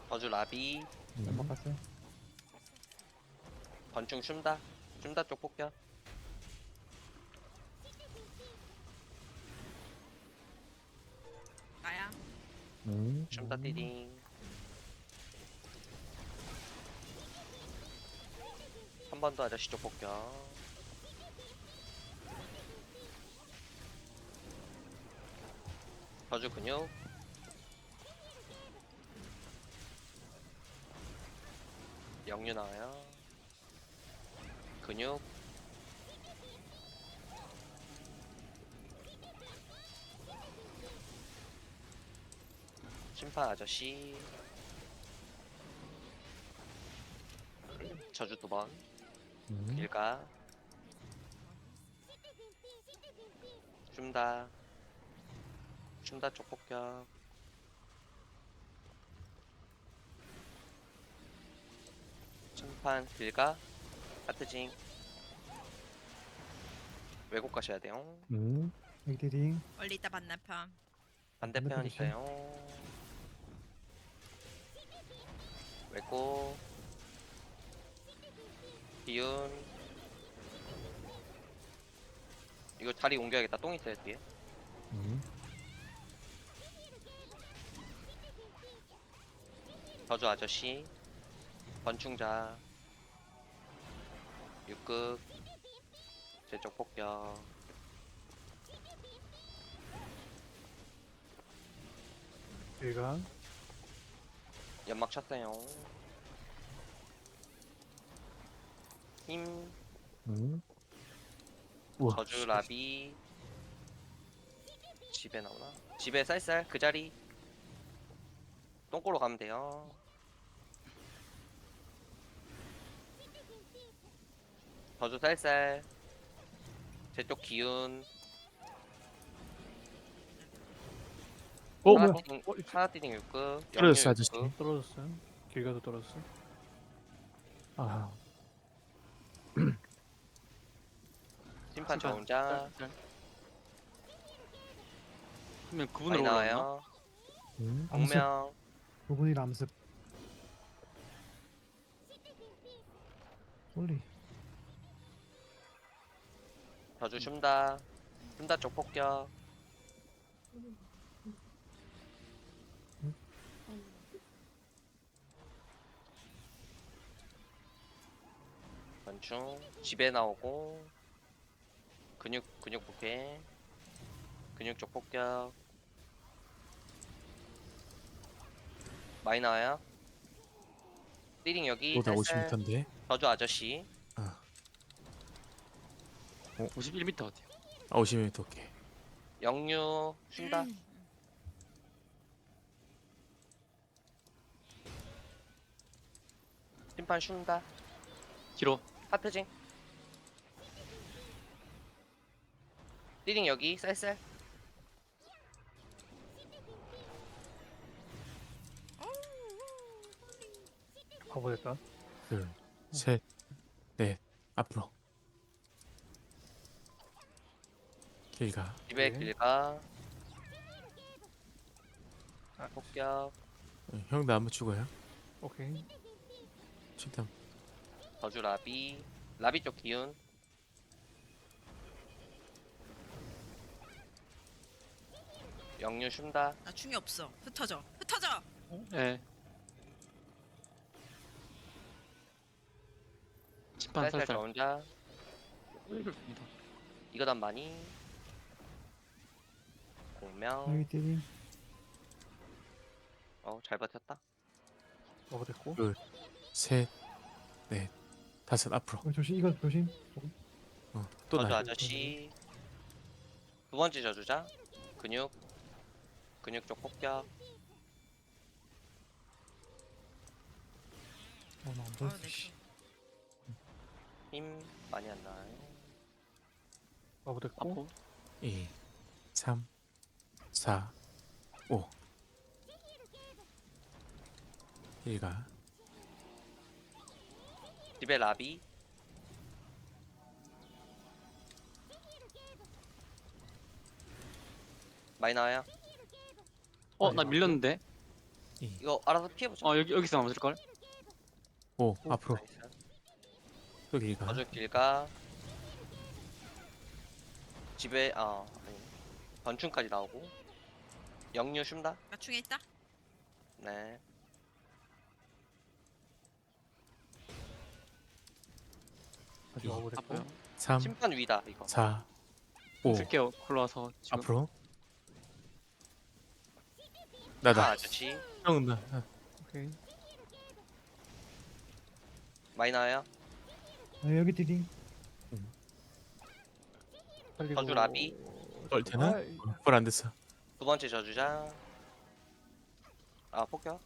저주 라비. 연막 갔어요. 건충 춤다. 춤다 쪽 폭격. 나야. 춤다 띠딩. 한 번 더 아저씨 쪽 폭격. 저주 근육. 영유 나와요. 근육. 심판 아저씨. 저주 두 번. 길가. 춤다. 춤다 쪽 폭격. 심판 길가. 하트징. 왜곡 가셔야 돼요. 액디딩. 멀리 있다 반대편. 반대편 반대편 있어요. 왜곡. 기운. 이거 자리 옮겨야겠다. 똥 있어요 뒤에. 저주 아저씨. 건충자. 육극. 제쪽 폭격. 일강. 연막 쳤어요. 힘. 우와. 저주 라비. 집에 나오나? 집에 쌀쌀 그 자리. 똥꼬로 가면 돼요. 저주 쌀쌀. 제쪽 기운. 뭐야? 하나띠딩 6급. 떨어졌어, 아저씨. 떨어졌어요. 길 가도 떨어졌어요. 아, 심판 저 혼자. 그러면 많이 그분으로 올라왔나? 나와요. 암습. 공명. 부분이 암습. 홀리. 저주 춤다. 춤다 쪽 폭격. 건충. 집에 나오고. 근육 부패. 근육 쪽 폭격. 많이 나와요. 띠링 여기. 나 쌀쌀. 50m인데. 저주 아저씨. 51m 어때요? 아 50m 오케이. 영유 쉰다. 심판 쉰다. 길어. 하트징. 띠링 여기 쌀쌀. 가보겠다. 둘, 셋, 넷. 앞으로. 길가. 집에 네. 길가. 폭격. 형 나 안 맞추고요. 오케이. 최대한. 저주 라비. 라비 쪽 기운. 영유 쉰다. 나 충이 없어. 흩어져. 흩어져. 예. 심판 쌀쌀 저 살살. 혼자. 이거 단 많이. 공명. 액디딩. 잘 버텼다. 가보됐고. 셋, 넷, 다섯. 앞으로. 조심. 이거 조심. 또 저주 나. 아저씨. 두 번째 저주자. 근육. 근육 쪽 폭격. 나안 어, 보였어. 내 씨. 힘 많이 안 나와요. 가보됐고. 아포. 2, 3, 4, 5. 길가. 집에 라비. 많이 나와요. 나 밀렸는데. 2, 이거 알아서 피해보자. 여기서 맞을 걸? 5 앞으로 나이스. 또 길가 저주 길가. 집에 아니. 건충까지 나오고. 영유 쉰다. 나 중에 있다. 네. 다시 이. 버블 아파요. 됐고. 3 심판 위다 이거. 4 5 쓸게요. 걸러와서 지금. 앞으로 나다 아저씨 형은 나 오케이. 많이 나와요. 여기 디딩. 살리고. 저주 라비. 뻘 되나? 아이, 뻘 안 됐어 두 번째 저주자. 폭격.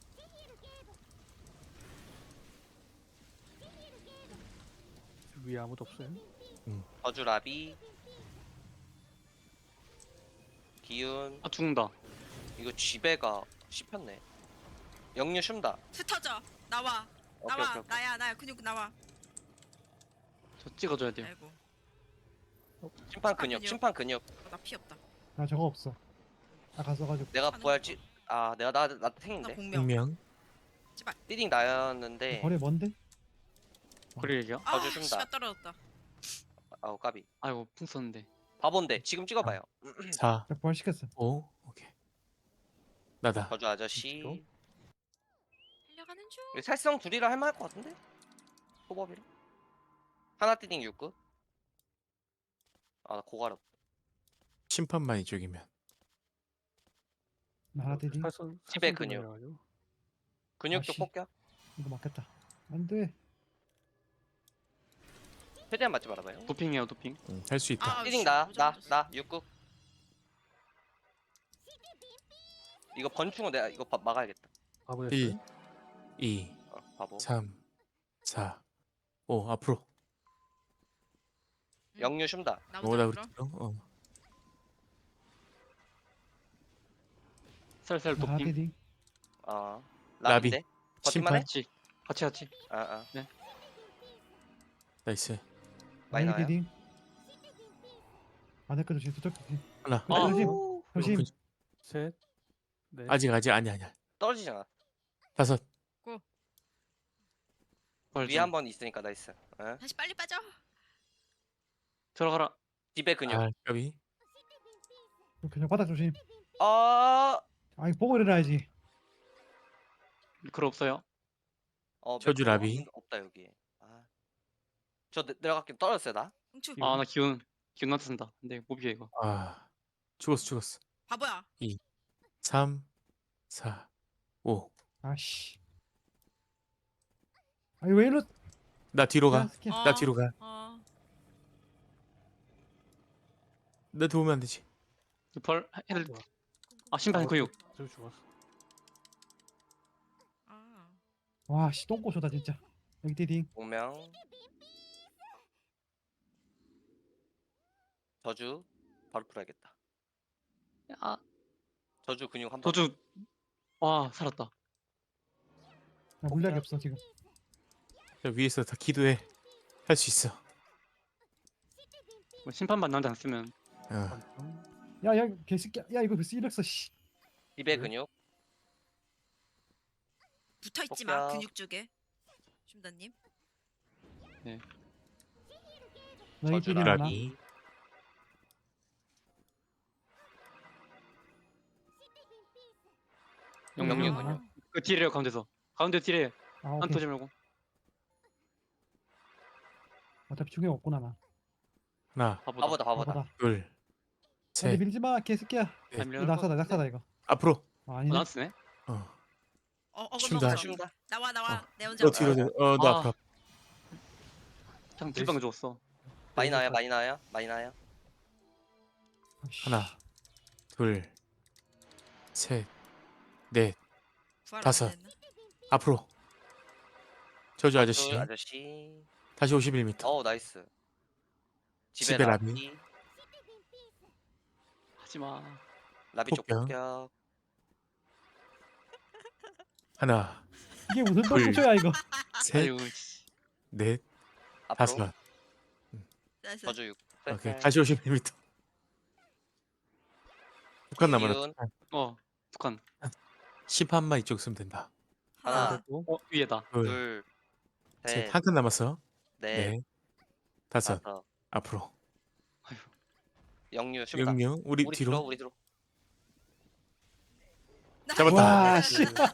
위에 아무도 없어요. 저주 라비. 기운. 아 죽는다. 이거 쥐배가 씹혔네. 영유 쉰다. 흩어져. 나와. 오케이 나와. 오케이 오케이. 나야 근육 나와. 저 찍어줘야 돼요. 아이고. 심판 근육. 심판 근육. 나 피 없다. 나 저거 없어. 아까 써가지고. 내가 하는 부활 찌. 내가 나 나 탱인데. 공명. 분명 띠딩 나였는데. 거리 뭔데? 거리 얘기야? 아, 저주 쉰다. 씨가 떨어졌다. 아우 까비. 아이고 풍 썼는데. 바본데 지금 찍어봐요. 4 나 부활시켰어. 5 오케이 나다 저주 아저씨. 그쵸? 달려가는 중. 이거 살성 둘이라 할만할 것 같은데? 호법이라. 하나 띠딩 6급. 나 고가력. 심판만 이쪽이면 나 하나 디딩. 집에 근육. 근육 쪽 아씨. 폭격. 이거 맞겠다. 안 돼. 최대한 맞지 말아봐요. 도핑해요 도핑. 할 수 있다 띠딩 씨, 나 모자라졌어. 6급. 이거 번충은 내가 이거 막아야겠다. 바보 1 됐어요. 2 바보. 3 4 5 앞으로 영유 쉰다. 뭐다 나보다 우리 물어. 살살 나 하나 도핑. 디딩. 라비인데. 심판. 버틸만해? 같이. 나이스 많이 여기 나와요. 디딩. 안에 거 조심. 저쪽 조심. 하나 아. 조심. 오, 조심. 셋. 넷. 아직 아니야 떨어지잖아. 5 위에 한 번 있으니까 나이스. 다시 빨리 빠져. 들어가라. 집에 근육. 까비 그냥 바닥 조심. 아, 아이 보고 일어나야지. 글 없어요. 저주 매크로 라비. 없다 여기. 저 내려갈게. 떨어졌어요 나. 흥추. 이거. 나 기운 나한테 쓴다. 근데 못 비겨 이거. 죽었어 바보야. 3 4 5 아씨. 아이 왜 이러? 나 뒤로 가. 스킨. 나 뒤로 가. 나 도우면 안 되지. 펄 애들. 심판 근육. 저 죽었어. 와, 씨 똥꼬쇼다 진짜. 여기 디딩. 운명. 저주 바로 풀어야겠다. 아 저주 근육 한 번. 도주. 와 살았다. 나 물약이 없어 지금. 저 위에서 다 기도해. 할 수 있어. 뭐 심판만 나한테 안 쓰면 야야 개새끼야. 야 이거 벌써 이랬어. 씨. 집에 네. 근육. 붙어 있지 마. 폭격. 근육 쪽에. 춤다님. 너희 저주 디딩 하나. 라비. 영유 음. 근육. 그 딜해요 가운데서. 가운데 딜해. 아 안 오케이. 터지 말고. 어차피 중에 없구나 나. 하나 바보다. 바보다. 둘 근데 셋 밀지 마 개새끼야. 네. 이거 낙사다 이거. 앞으로 아니네. 나한테 쓰네. 쉰다. 쉰다. 나와. 내 혼자. 너 뒤로 너 아. 앞으로 장 딜방 줬어. 많이 나와요. 많이 나와요. 아씨. 하나 둘 셋 넷 부활 안 다섯. 됐나? 앞으로 저주 아저씨 아저씨. 다시 51m 나이스. 집에 집에 라비. 라비. 하지마. 라비 쪽 폭격. 폭격. 하나 이게 무슨 둘. 똥꼬쇼야 이거. 셋 아이고 씨. 넷 앞으로. 다섯 나이스. 저주 6. 오케이 다시 51m 북한 남았다 기운. 북한. 심판만 이쪽 쓰면 된다. 하나, 그리고 위에다. 둘, 셋, 셋. 한 칸 남았어. 넷, 네. 다섯. 다섯. 앞으로. 영유 슈다. 영영. 우리 우리 뒤로. 우리 뒤로. 잡았다. 와 씨.